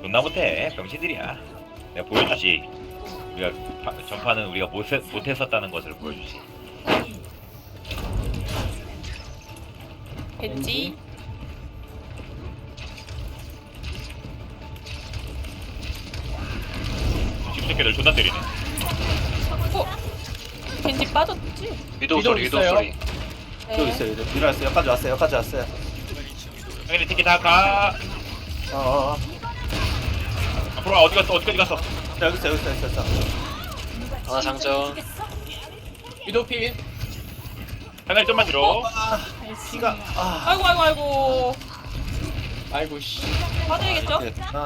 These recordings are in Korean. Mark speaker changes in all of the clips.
Speaker 1: 존나 못해. 병신들이야. 내가 보여주지. 우리가 전파는 우리가 못했었다는 것을 보여주지.
Speaker 2: 벤지.
Speaker 1: 집새끼들 존나 때리네.
Speaker 2: 벤지 빠졌지?
Speaker 3: 위도우 소리 위도우
Speaker 4: 있어요?
Speaker 3: 소리.
Speaker 4: 여기 있어요. 일어났어요. 여기까지 왔어요. 여기까지 왔어요.
Speaker 1: 형님 티켓 다 가.
Speaker 4: 어어어.
Speaker 1: 앞으로 와. 어디까지 갔어?
Speaker 4: 여기 있어. 여기 있어. 여기 있어.
Speaker 3: 하나 장전.
Speaker 4: 위도우 필.
Speaker 1: 하늘 좀만 들어.
Speaker 4: 피가.
Speaker 2: 아이고.
Speaker 4: 아이고 씨.
Speaker 2: 빠져야겠죠?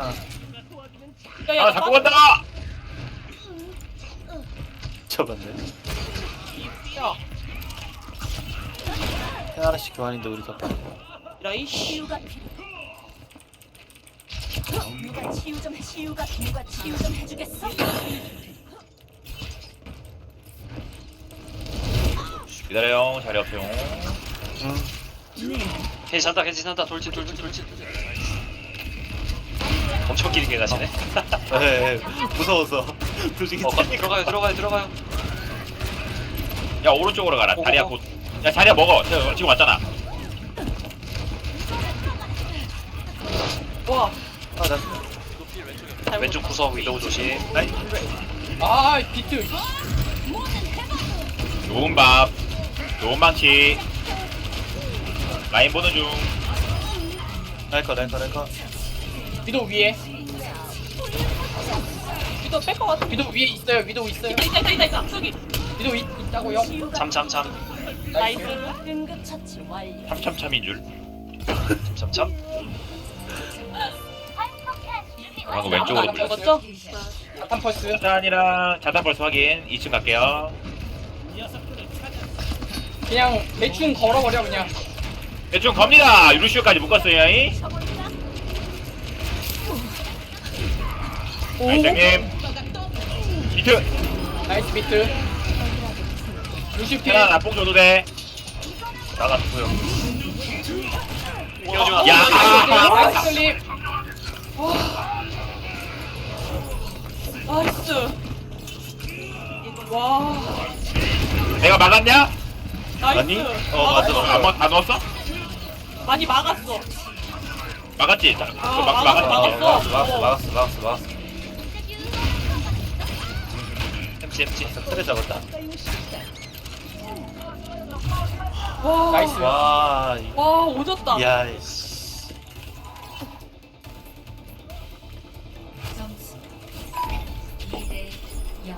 Speaker 4: 아.
Speaker 1: 아, 자꾸 간다.
Speaker 4: 쳐봤네.
Speaker 2: 야,
Speaker 4: 하나씩 교환인데 우리 더.
Speaker 2: 이라이씨.
Speaker 5: 치유가 누가 치유 좀 해주겠어?
Speaker 1: 기다려요. 자리 없어요.
Speaker 3: 괜찮다 괜찮다 돌진. 엄청 길게 가시네.
Speaker 4: 네. 무서워서. 솔직히.
Speaker 3: 들어가요.
Speaker 1: 야, 오른쪽으로 가라. 자리야 곧. 야, 자리야 먹어. 지금 왔잖아.
Speaker 2: 와,
Speaker 4: 아, 나.
Speaker 2: 잘못.
Speaker 3: 왼쪽 구석 위도우 조심.
Speaker 4: 아, 비트.
Speaker 1: 좋은 밥. 좋은 망치. 라인 보는 중.
Speaker 4: 랄커.
Speaker 6: 위도 위에
Speaker 2: 이거 뺄것 같아.
Speaker 6: 위도 위에 있어요. 위도 있어요.
Speaker 2: 있다. 저기.
Speaker 6: 위도 있다고요?
Speaker 3: 잠.
Speaker 2: 나이스.
Speaker 5: 응급 처치 완료.
Speaker 1: 참참참인 줄. 방금 왼쪽으로
Speaker 2: 안
Speaker 1: 불렀어.
Speaker 2: 먹었죠?
Speaker 6: 자탄 펄스.
Speaker 1: 자탄이랑 자탄 벌써 확인. 2층 갈게요.
Speaker 6: 그냥 대충 걸어버려 그냥.
Speaker 1: 대충 겁니다. 루시오까지 묶었어요. 이. 나이스 형님. 비트.
Speaker 6: 나이스 비트. 루시피.
Speaker 1: 하나 나뽕 줘도 돼.
Speaker 4: 나갔고요.
Speaker 3: 끼워주면
Speaker 1: 야.
Speaker 6: 나이스 클립.
Speaker 2: 나이스. 와,
Speaker 1: 내가 막았냐?
Speaker 4: 맞니?
Speaker 2: 나이스.
Speaker 4: 맞아.
Speaker 1: 다 넣었어?
Speaker 2: 많이 막았어.
Speaker 1: 막았지?
Speaker 4: 막았어.
Speaker 3: MC.
Speaker 4: 틀에 잡았다.
Speaker 2: 와,
Speaker 6: 나이스.
Speaker 4: 와.
Speaker 2: 와, 오졌다.
Speaker 4: 야, 씨.
Speaker 5: 점수 2대 0.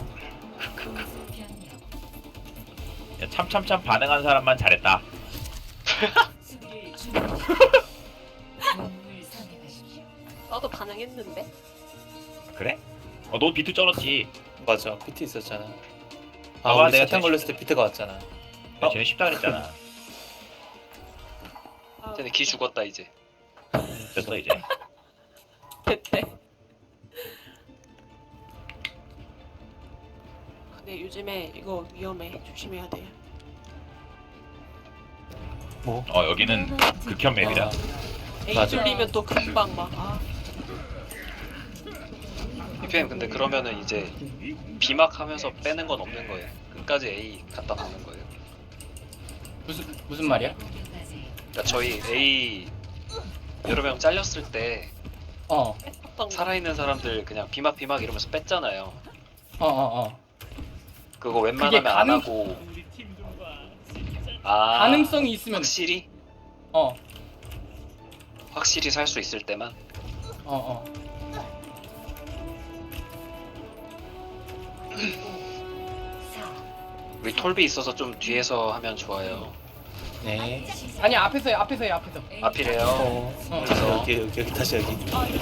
Speaker 1: 야, 참참참 반응한 사람만 잘했다.
Speaker 5: 수비를 준비하십시오. 영웅을 선택하십시오.
Speaker 2: 나도 반응했는데.
Speaker 1: 그래? 너 비트 쩔었지.
Speaker 4: 맞아. 비트 있었잖아.
Speaker 1: 봐봐,
Speaker 4: 우리
Speaker 1: 내가
Speaker 4: 사탕
Speaker 1: 대신-
Speaker 4: 걸렸을 때 비트가 왔잖아.
Speaker 1: 야, 쟤네 쉽다 그랬잖아.
Speaker 3: 쟤네 기 죽었다 이제.
Speaker 1: 됐어 이제.
Speaker 2: 됐대. 근데 요즘에 이거 위험해. 조심해야 돼.
Speaker 4: 뭐?
Speaker 1: 여기는 극혐 맵이다.
Speaker 2: A
Speaker 4: 맞아.
Speaker 2: 뚫리면 또 금방 막.
Speaker 3: PPM 근데 그러면은 이제 비막하면서 빼는 건 없는 거예요. 끝까지 A 갖다 박는 거예요.
Speaker 6: 무슨 말이야?
Speaker 3: 그러니까 저희 A 여러 명 잘렸을 때
Speaker 2: 어떤 거.
Speaker 3: 살아있는 사람들 그냥 비막 이러면서 뺐잖아요. 그거 웬만하면 안
Speaker 6: 가능-
Speaker 3: 하고. 아,
Speaker 6: 가능성이 있으면.
Speaker 3: 확실히 확실히 살 수 있을 때만. 우리 톨비 있어서 좀 뒤에서 하면 좋아요.
Speaker 4: 네.
Speaker 6: 아니 앞에서요.
Speaker 3: 앞이래요.
Speaker 4: 어디서? 여기 다시 여기.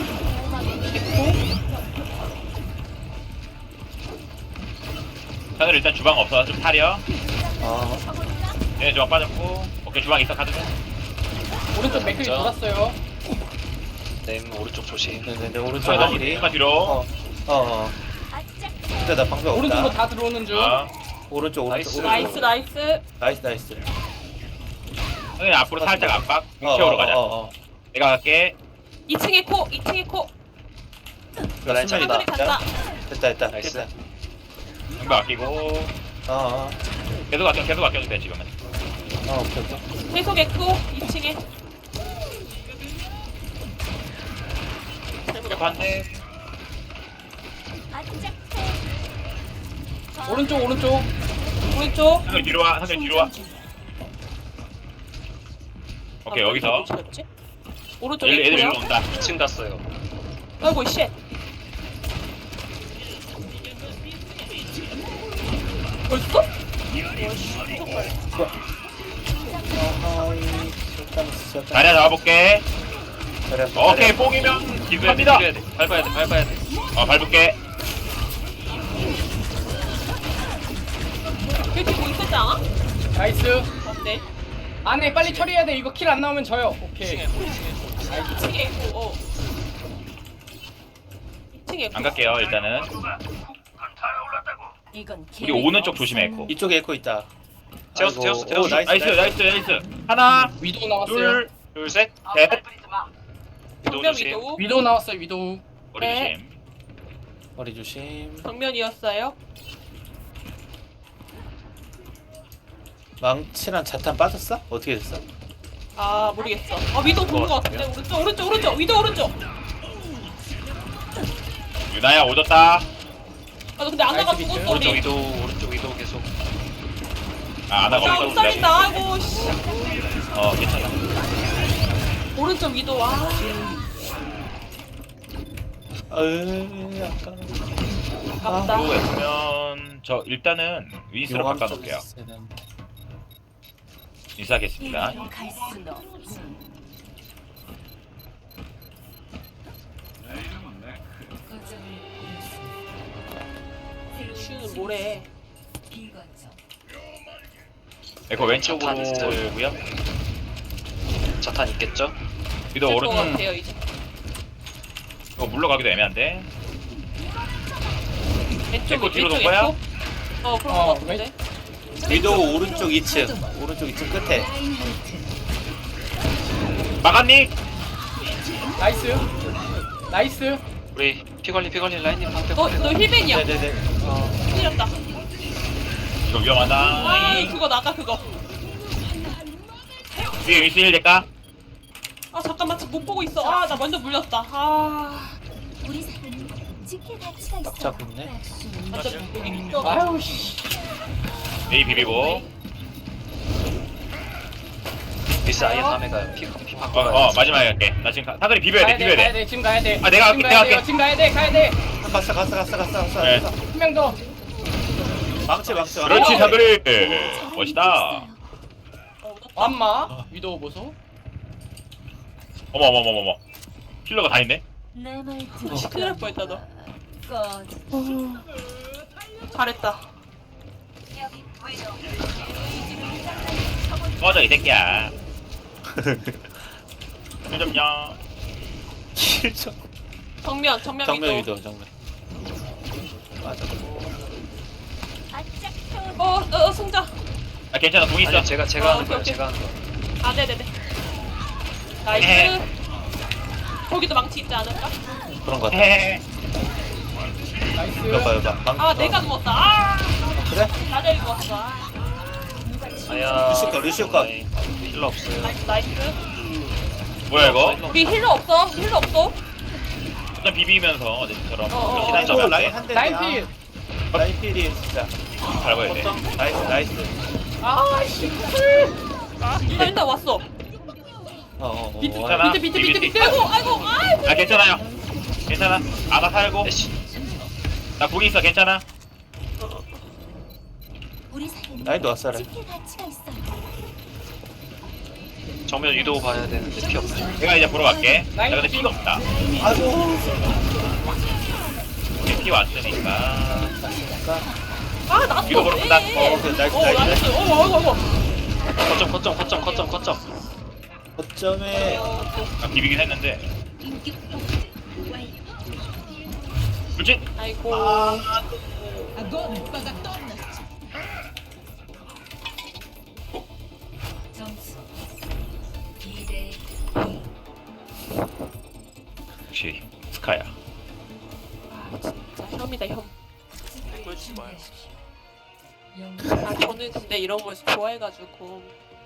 Speaker 1: 하늘 일단 주방 없어. 좀 타려. 얘네 주방 빠졌고. 오케이 주방 있어. 가도 돼.
Speaker 6: 오른쪽 맥클이
Speaker 3: 진짜?
Speaker 6: 돌았어요.
Speaker 3: 램 오른쪽 조심.
Speaker 4: 네, 오른쪽
Speaker 1: 아,
Speaker 4: 길이.
Speaker 1: 조금만 뒤로.
Speaker 4: 근데 나 방금
Speaker 6: 오른쪽으로
Speaker 4: 없다.
Speaker 6: 다 들어오는 중.
Speaker 4: 오른쪽.
Speaker 3: 나이스.
Speaker 2: 나이스.
Speaker 1: 형님 앞으로 살짝 압박. 육체으로 가자. 내가 갈게.
Speaker 2: 2층에 코.
Speaker 3: 라인
Speaker 4: 수면이다.
Speaker 2: 한글이 간다.
Speaker 4: 됐다.
Speaker 3: 나이스.
Speaker 4: 됐다.
Speaker 1: 방금 아끼고
Speaker 4: 어.
Speaker 1: 계속 아껴도 돼 지금은.
Speaker 4: 오케이.
Speaker 2: 계속 에코 2층에.
Speaker 1: 반대.
Speaker 6: 오른쪽.
Speaker 2: 오른쪽.
Speaker 1: 한글 뒤로 와. 오케이 여기서
Speaker 2: 오른쪽
Speaker 1: 애들 일로
Speaker 2: 에코요.
Speaker 1: 온다.
Speaker 3: 2층 갔어요.
Speaker 2: 아이고 쉣. 벌써?
Speaker 1: 자리야 잡아볼게. 오케이 뽕이면 기부합니다.
Speaker 3: 밟아야 돼.
Speaker 1: 밟을게.
Speaker 2: 이렇게 뭐 있었지 않아?
Speaker 6: 나이스.
Speaker 2: 어때?
Speaker 6: 안에 빨리 처리해야 돼. 이거 킬 안 나오면 져요. 오케이.
Speaker 2: 2층에 에코. 2층에 에코.
Speaker 1: 안 갈게요 일단은.
Speaker 5: 이건
Speaker 1: 우리 오는 쪽 조심해 에코.
Speaker 4: 이쪽에 에코 있다.
Speaker 3: 재웠어.
Speaker 4: 오,
Speaker 1: 나이스. 하나,
Speaker 6: 위도우 나왔어요.
Speaker 1: 둘,
Speaker 3: 셋.
Speaker 1: 셋.
Speaker 3: 위도우
Speaker 2: 정면
Speaker 3: 조심.
Speaker 2: 위도우.
Speaker 6: 위도우 나왔어요. 위도우.
Speaker 1: 머리
Speaker 2: 네.
Speaker 1: 조심.
Speaker 4: 머리 조심.
Speaker 2: 정면이었어요.
Speaker 4: 망치랑 자탄 빠졌어? 어떻게 됐어?
Speaker 2: 아 모르겠어. 위도우 도는 것 같은데. 오른쪽. 위도우 오른쪽.
Speaker 1: 유나야 오졌다.
Speaker 2: 아 근데 안나가
Speaker 6: 나이스
Speaker 2: 죽었어
Speaker 3: 오른쪽
Speaker 2: 우리.
Speaker 3: 위도우 계속.
Speaker 1: 안 하고
Speaker 2: 야
Speaker 1: 있어.
Speaker 2: 옥살린다. 아이고 씨.
Speaker 1: 괜찮아.
Speaker 2: 오른쪽 위도우. 아.
Speaker 4: 약간.
Speaker 2: 아깝다.
Speaker 1: 또 했으면 저 일단은 윈스로
Speaker 4: 용암
Speaker 1: 바꿔놓을게요.
Speaker 4: 쪽에 있어야 되는데.
Speaker 1: 인사하겠습니다.
Speaker 5: 갈 수는 없지.
Speaker 2: 슈는 뭐래?
Speaker 5: 비거점.
Speaker 1: 에코 왼쪽으로
Speaker 3: 자탄 있어요.
Speaker 1: 돌고요.
Speaker 3: 자탄 있겠죠?
Speaker 1: 위도
Speaker 2: 될것
Speaker 1: 오른쪽.
Speaker 2: 같아요 이제.
Speaker 1: 물러가기도 애매한데.
Speaker 2: 왼쪽
Speaker 1: 에코 뒤로
Speaker 2: 왼쪽
Speaker 1: 놓은 거야?
Speaker 2: 에코? 그런
Speaker 6: 어,
Speaker 2: 거 같은데.
Speaker 4: 위도우 오른쪽 2층. 오른쪽 2층 끝에.
Speaker 1: 막았니?
Speaker 6: 나이스.
Speaker 3: 우리 피관리 라인님 방패.
Speaker 2: 너 힐벤이야.
Speaker 4: 네네네.
Speaker 2: 힐렸다.
Speaker 1: 이거 위험하다.
Speaker 2: 아 그거 나가 그거.
Speaker 1: 위에 윈스 힐 될까?
Speaker 2: 아 잠깐만 지금 못 보고 있어. 아 나 완전 물렸다. 아
Speaker 5: 우리 사이는 지킬 가치가 있어.
Speaker 4: 딱 잡고 있네.
Speaker 2: 완전 여기 있어.
Speaker 6: 아유 씨.
Speaker 1: 메이 비비고.
Speaker 3: 미스 아예 다음에 가요. 피 바꿔 가요.
Speaker 1: 마지막에 갈게. 나 지금 사거리 비벼야 돼.
Speaker 6: 가야 돼. 지금 가야 돼.
Speaker 1: 아, 내가 할게, 내가 할게.
Speaker 6: 지금 가야 돼.
Speaker 4: 갔어.
Speaker 1: 네.
Speaker 6: 한 명 더.
Speaker 4: 망치.
Speaker 1: 그렇지 사거리. 멋있다.
Speaker 6: 완마. 위도우 보소.
Speaker 1: 어머. 킬러가 다 있네.
Speaker 5: 내말
Speaker 2: 큰일 날 뻔했다 너. 잘했다.
Speaker 1: 꺼져 이 새끼야. 힐좀요.
Speaker 2: 정면
Speaker 4: 정면
Speaker 2: 위도.
Speaker 4: 위도 정면. 맞아.
Speaker 2: 승자.
Speaker 1: 아 괜찮아 공 있어.
Speaker 3: 아니 제가 하는 거예요.
Speaker 2: 오케이.
Speaker 3: 제가 하는 거.
Speaker 2: 아 네네네. 나이스.
Speaker 1: 에.
Speaker 2: 거기도 망치 있지 않을까?
Speaker 4: 그런 거 같아.
Speaker 1: 헤헤.
Speaker 6: 나이스.
Speaker 4: 여봐.
Speaker 2: 아 내가 누웠다. 아
Speaker 4: 그래?
Speaker 2: 나를 누웠어. 아.
Speaker 3: 아야.
Speaker 4: 루시오 컷.
Speaker 3: 힐러 없어요.
Speaker 2: 나이스.
Speaker 1: 뭐야 이거?
Speaker 2: 우리 힐러 없어.
Speaker 1: 일단 비비면서 어제처럼
Speaker 2: 어.
Speaker 1: 시간
Speaker 4: 또
Speaker 1: 잡아.
Speaker 4: 라인 한 대.
Speaker 6: 라인필.
Speaker 4: 라인필이 진짜.
Speaker 1: 밟아야 돼.
Speaker 4: 나이스.
Speaker 6: 아씨.
Speaker 2: 일단 왔어.
Speaker 6: 비트
Speaker 1: 괜찮아.
Speaker 6: 비트.
Speaker 2: 아이고.
Speaker 1: 아 괜찮아. 아나 살고.
Speaker 3: 에이씨.
Speaker 1: 나 공이 있어 괜찮아.
Speaker 5: 우리 사이는
Speaker 4: 라인도 왔어.
Speaker 5: 지킬 가치가 있어.
Speaker 3: 정면 위도우 봐야 되는데 피 없어요.
Speaker 1: 내가 이제 보러 갈게. 나
Speaker 6: 라인
Speaker 1: 근데 피가 없다.
Speaker 4: 아이고.
Speaker 1: 피 왔으니까.
Speaker 2: 아 나도.
Speaker 1: 위로 걸어간다.
Speaker 4: 나이스.
Speaker 2: 어이구.
Speaker 3: 거점.
Speaker 4: 거점에
Speaker 1: 아, 비비긴 했는데. 그렇지?
Speaker 2: 아이고.
Speaker 5: 점수 2대
Speaker 1: 역시 스카야.
Speaker 2: 진짜 혐이다 혐.
Speaker 7: 그러지 마요.
Speaker 2: 아 저는 근데 이런 걸 좋아해가지고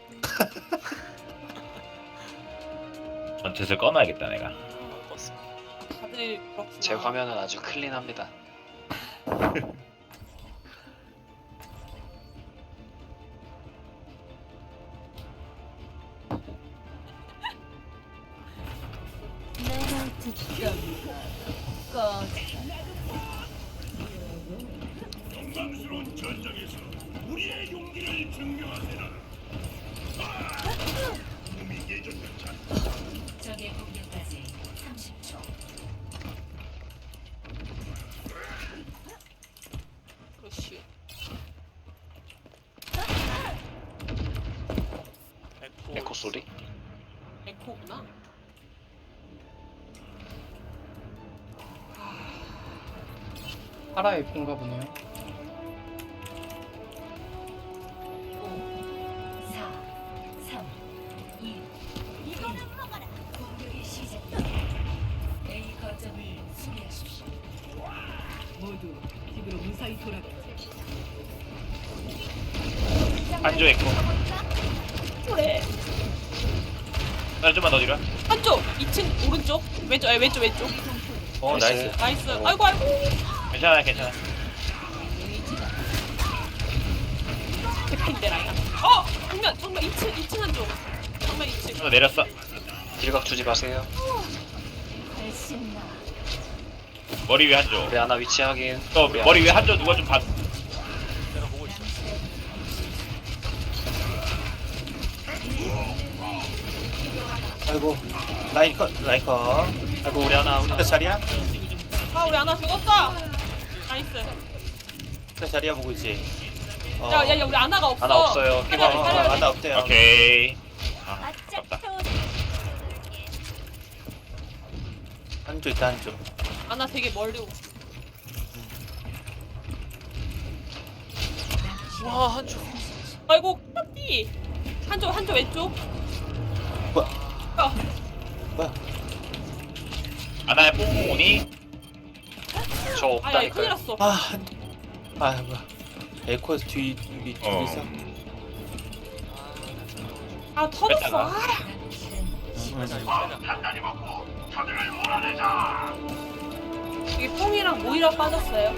Speaker 1: 전투를 꺼놔야겠다 내가.
Speaker 2: 다들 그렇구나.
Speaker 3: 제 화면은 아주 클린합니다.
Speaker 5: 내가 듣던 꺼져. 적의 공격까지 30초.
Speaker 2: 그렇지.
Speaker 3: 에코 소리?
Speaker 2: 에코구나.
Speaker 6: 파라 에코인가 보네요.
Speaker 5: 5, 4, 3, 2, 1. 공격이 시작됩니다. A 거점을 수비하십시오. 모두 집으로 무사히 돌아가세요.
Speaker 1: 한조 있고.
Speaker 2: 그래.
Speaker 1: 나 좀만 더 뒤로.
Speaker 2: 한쪽 2층 오른쪽 왼쪽 아니 왼쪽 왼쪽.
Speaker 4: 어 나이스.
Speaker 2: 나이스. 아이고 아이고.
Speaker 1: 괜찮아 괜찮아.
Speaker 2: 대핀데 라인. 정면 2층 한쪽. 정면 2층.
Speaker 1: 또 내렸어.
Speaker 3: 딜각 주지 마세요.
Speaker 5: 훨씬 나.
Speaker 1: 머리 위에 한조.
Speaker 3: 우리 하나 위치 확인.
Speaker 1: 또
Speaker 3: 우리
Speaker 1: 머리
Speaker 3: 하나
Speaker 1: 위에 한조 누가 좀 봐.
Speaker 7: 내가 보고 있어.
Speaker 4: 아이고 라인 컷 라인 컷.
Speaker 3: 아이고 우리 하나
Speaker 4: 그 자리야?
Speaker 2: 아 우리 하나 죽었어. 나이스.
Speaker 4: 그 자리야 보고 있지. 어.
Speaker 2: 야 우리 아나가 없어.
Speaker 3: 하나 없어요.
Speaker 2: 빨리 빨리 빨리.
Speaker 4: 하나 없대요.
Speaker 1: 오케이. 아
Speaker 5: 바짝
Speaker 1: 아깝다.
Speaker 5: 태워.
Speaker 4: 한쪽 있다 한쪽.
Speaker 2: 아나 되게 멀리 오.
Speaker 7: 와 한조.
Speaker 2: 아이고 까비. 한쪽 왼쪽.
Speaker 4: 뭐야?
Speaker 2: 아,
Speaker 4: 뭐야?
Speaker 1: 아나의 뽕 오니?
Speaker 3: 저
Speaker 2: 아야 큰일
Speaker 3: 없다니까요.
Speaker 2: 났어.
Speaker 4: 뭐야? 에코에서 뒤 뒤에서.
Speaker 2: 아 터졌어.
Speaker 1: 뺐다가.
Speaker 2: 이게 뽕이랑 모이라 빠졌어요.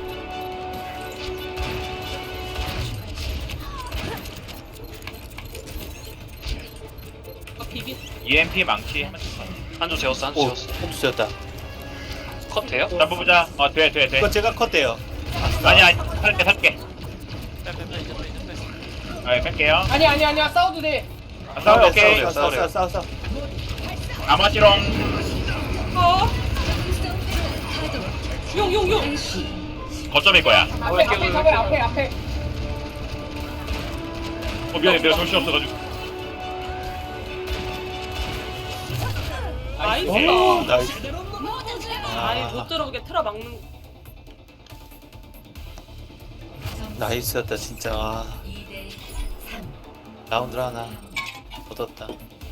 Speaker 2: 비비.
Speaker 1: EMP 망치 하면 좋다.
Speaker 3: 한조 재웠어. 한조
Speaker 4: 오,
Speaker 3: 재웠어.
Speaker 4: 홈스 졌다.
Speaker 3: 컷 돼요?
Speaker 1: 자 뽑자. 돼.
Speaker 4: 이거 제가 컷돼요.
Speaker 1: 아니야 살게.
Speaker 7: 빼.
Speaker 1: 아 뺄게요.
Speaker 6: 아니야 싸워도 돼.
Speaker 1: 아, 싸워 오케이.
Speaker 4: 싸워.
Speaker 1: 아마지롱.
Speaker 2: 용.
Speaker 1: 거점일 거야.
Speaker 6: 앞에.
Speaker 1: 미안해 내가 정신 없어가지고.
Speaker 2: 나이스.
Speaker 4: 오, 나이스.
Speaker 2: 아니 못 들어오게 틀어 막는.
Speaker 4: 나이스였다 진짜.
Speaker 5: 2대 3.
Speaker 4: 라운드 하나 얻었다.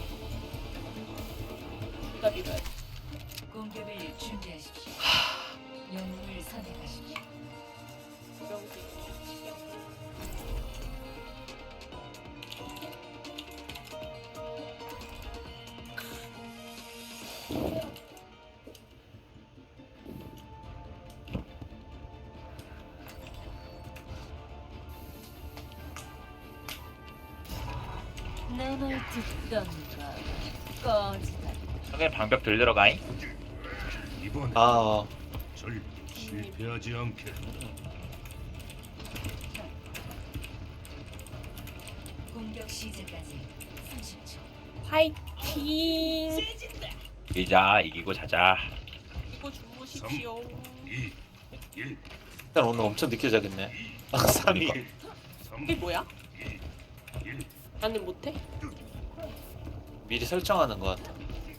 Speaker 2: 둘다 밀어야 돼.
Speaker 5: 공격을 준비하십시오. 영웅을 선택하십시오.
Speaker 2: 명기.
Speaker 5: 내 말 듣던가 꺼지다.
Speaker 1: 그냥 방벽 들들어가잉.
Speaker 8: 이번에
Speaker 4: 아,
Speaker 8: 절 실패하지 않게.
Speaker 5: 공격 시작까지 30초.
Speaker 2: 파이팅.
Speaker 1: 이자 이기고 자자.
Speaker 2: 이거 주무십시오.
Speaker 8: 2, 1,
Speaker 4: 일단 오늘 엄청 늦게 자겠네. 3일.
Speaker 8: 3,
Speaker 2: 이게 뭐야?
Speaker 8: 1.
Speaker 2: 나는 못해?
Speaker 4: 미리 설정하는 것 같아.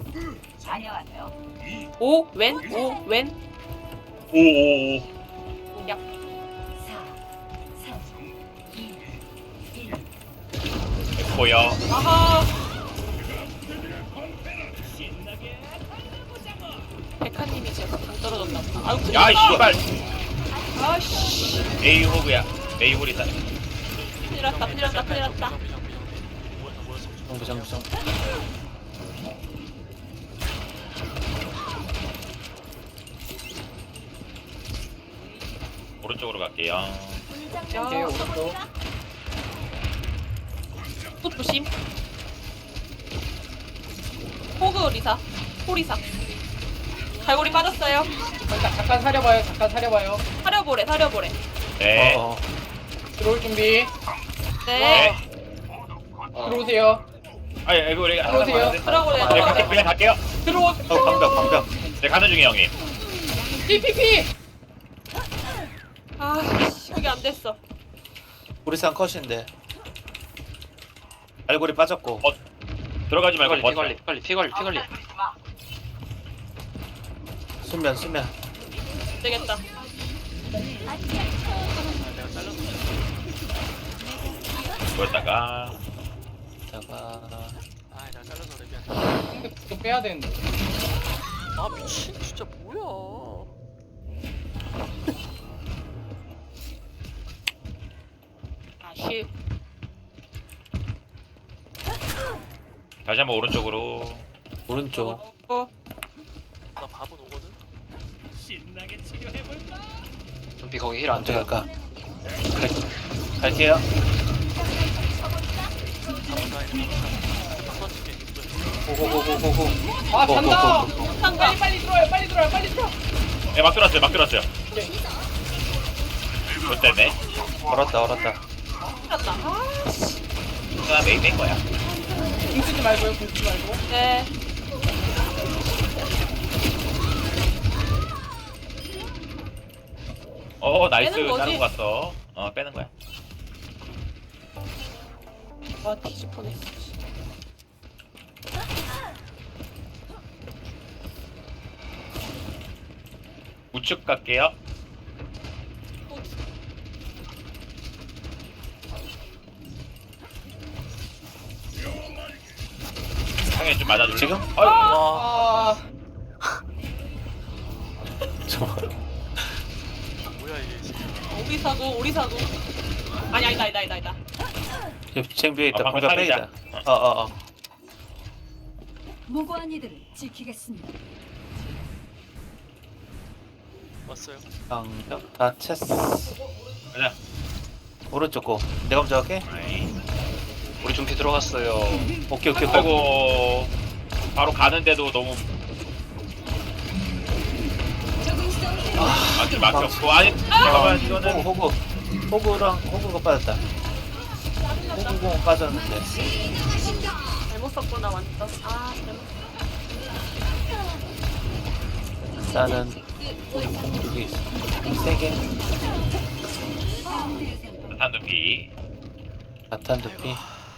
Speaker 2: 오 왼?
Speaker 1: 오오오.
Speaker 2: 야.
Speaker 5: 4, 3, 2, 1.
Speaker 1: 보여.
Speaker 2: 아하. 메카님이 제가 당 떨어졌나 보다. 아유,
Speaker 1: 야 씨발.
Speaker 2: 아씨.
Speaker 1: 메이 호그야. 메이 홀이다.
Speaker 2: 큰일 났다, 큰일 났다, 큰일 났다.
Speaker 4: 정부.
Speaker 1: 오른쪽으로 갈게요.
Speaker 6: 오케이 오른쪽.
Speaker 2: 또 조심. 호그 리사. 호리사. 갈고리 빠졌어요.
Speaker 6: 잠깐 사려봐요. 잠깐 사려봐요.
Speaker 2: 사려보래, 사려보래.
Speaker 1: 네.
Speaker 4: 어.
Speaker 6: 들어올 준비.
Speaker 2: 네.
Speaker 6: 들어오세요.
Speaker 1: 아니 이거 우리
Speaker 6: 들어오세요.
Speaker 2: 들어오래,
Speaker 1: 네,
Speaker 2: 들어오래.
Speaker 1: 그냥 갈게요.
Speaker 6: 들어오.
Speaker 4: 방벽.
Speaker 1: 네 가는 중이에요 형님.
Speaker 6: PPP.
Speaker 2: 아, 이게 안 됐어.
Speaker 4: 우리산 컷인데. 알고리 빠졌고.
Speaker 1: 들어가지 말고 버텨.
Speaker 3: 피 관리.
Speaker 4: 수면.
Speaker 2: 안 되겠다.
Speaker 1: 그러다가
Speaker 4: 다가
Speaker 7: 아 내가 잘라서 그래 미안.
Speaker 6: 또 빼야 되는데.
Speaker 7: 아 미친 진짜 뭐야.
Speaker 2: 아쉬.
Speaker 1: 다시 한번 오른쪽으로.
Speaker 4: 오른쪽.
Speaker 2: 어,
Speaker 7: 나 밥은 오거든.
Speaker 3: 좀비 거기 힐 안
Speaker 4: 언제
Speaker 3: 돼요.
Speaker 4: 갈까? 갈게요.
Speaker 7: 밥은 라인. 터치게 있어요.
Speaker 4: 고고고고고고.
Speaker 6: 아 잔다.
Speaker 2: 상가.
Speaker 6: 빨리 들어와요. 빨리 들어와요.
Speaker 1: 네, 막 들어왔어요. 못됐네.
Speaker 4: 얼었다.
Speaker 2: 큰일났다. 아, 씨.
Speaker 1: 나 메이 뺀 거야.
Speaker 6: 궁 쓰지 말고요. 궁 쓰지 말고.
Speaker 2: 네.
Speaker 1: 나이스.
Speaker 2: 빼는 거지?
Speaker 1: 다른 거 갔어. 빼는 거야.
Speaker 2: 와, 뒤질 뻔했어.
Speaker 1: 우측 갈게요. 상에 좀 맞아줄래?
Speaker 4: 지금?
Speaker 1: 어이.
Speaker 7: 와
Speaker 6: 아
Speaker 4: 저
Speaker 7: 뭐야 이게 진짜.
Speaker 2: 오리사도. 아니, 아니다.
Speaker 4: 챙비에 있다.
Speaker 1: 방금
Speaker 4: 방벽
Speaker 1: 살리자.
Speaker 4: 빼이다. 어어어.
Speaker 5: 무고한 이들을 지키겠습니다.
Speaker 7: 왔어요.
Speaker 4: 방벽 다 챘어.
Speaker 1: 가자.
Speaker 4: 오른쪽 고. 내가 먼저 할게.
Speaker 1: 아이.
Speaker 3: 우리 좀비 들어갔어요.
Speaker 4: 오케이.
Speaker 1: 아이고. 바로 가는데도 너무 막히 없고. 아니 잠깐만 이거는
Speaker 4: 호구가 빠졌다. 호구공 빠졌는데.
Speaker 2: 잘못 썼구나, 완전. 아, 잘못.
Speaker 4: 나는 우리 공격이 있어. 3개.
Speaker 1: 탄두피.
Speaker 4: 바탄 두피.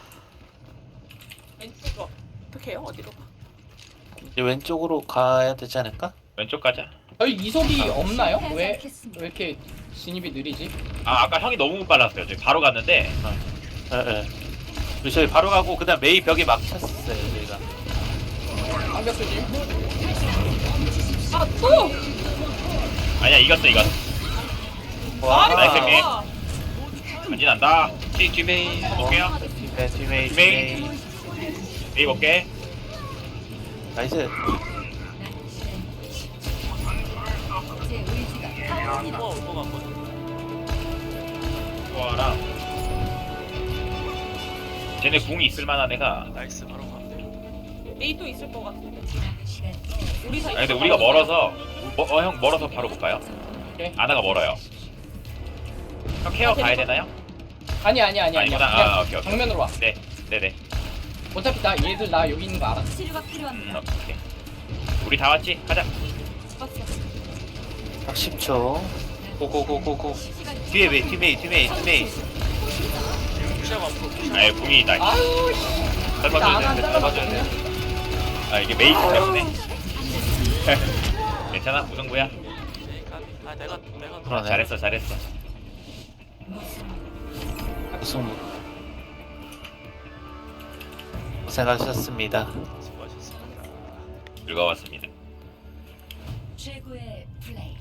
Speaker 2: 왼쪽으로. 어떻게 해요? 어디로 가?
Speaker 4: 이제 왼쪽으로 가야 되지 않을까?
Speaker 1: 왼쪽 가자.
Speaker 6: 저희 이속이 없나요? 왜
Speaker 5: 않겠습니다.
Speaker 6: 이렇게 진입이 느리지?
Speaker 1: 아까 형이 너무 빨랐어요. 저희 바로 갔는데
Speaker 4: 예. 우리 저희 바로 가고 그다음 메이 벽에 막혔어요 저희가.
Speaker 6: 방벽 조심.
Speaker 2: 아, 또!
Speaker 1: 아니야 이겼어.
Speaker 4: 와.
Speaker 1: 나이스 게임.
Speaker 2: 아,
Speaker 1: 간지난다.
Speaker 3: 뒤메인.
Speaker 1: 볼게요.
Speaker 4: 뒤메이.
Speaker 1: 메이 볼게.
Speaker 4: 나이스.
Speaker 5: 제 의지가 강합니다.
Speaker 7: 올거 같거든.
Speaker 1: 좋아라. 쟤네 궁이 있을 만한 애가.
Speaker 7: 나이스 바로 가면 돼.
Speaker 2: 메이 또 있을 것 같은데.
Speaker 5: 시간
Speaker 2: 오리사
Speaker 1: 아니 근데 우리가 멀어서 형 멀어서 바로 볼까요?
Speaker 6: 오케이.
Speaker 1: 아나가 멀어요. 형 케어 가야 되나요?
Speaker 6: 아니야.
Speaker 1: 아니구나.
Speaker 6: 그냥
Speaker 1: 오케이.
Speaker 6: 정면으로 와.
Speaker 1: 네네.
Speaker 6: 어차피 얘들 나 여기 있는 거 알아.
Speaker 5: 치료가 필요합니다.
Speaker 1: 오케이. 우리 다 왔지? 가자.
Speaker 2: 봤어.
Speaker 4: 딱 10초. 고고고고고. 뒤에 메이.
Speaker 7: 무시하고 앞으로 무시하고.
Speaker 1: 아예 궁이 있다.
Speaker 6: 아유 씨.
Speaker 1: 설마줘야
Speaker 6: 나안
Speaker 1: 되는데 설마줘야
Speaker 6: 잘라봤거든요.
Speaker 1: 되는데. 아 이게 메이크 때문에. 괜찮아 무승부야.
Speaker 7: 아 내가
Speaker 4: 그러네.
Speaker 1: 잘했어.
Speaker 4: 우승. 고생하셨습니다.
Speaker 7: 수고하셨습니다.
Speaker 1: 즐거웠습니다.
Speaker 5: 최고의 플레이.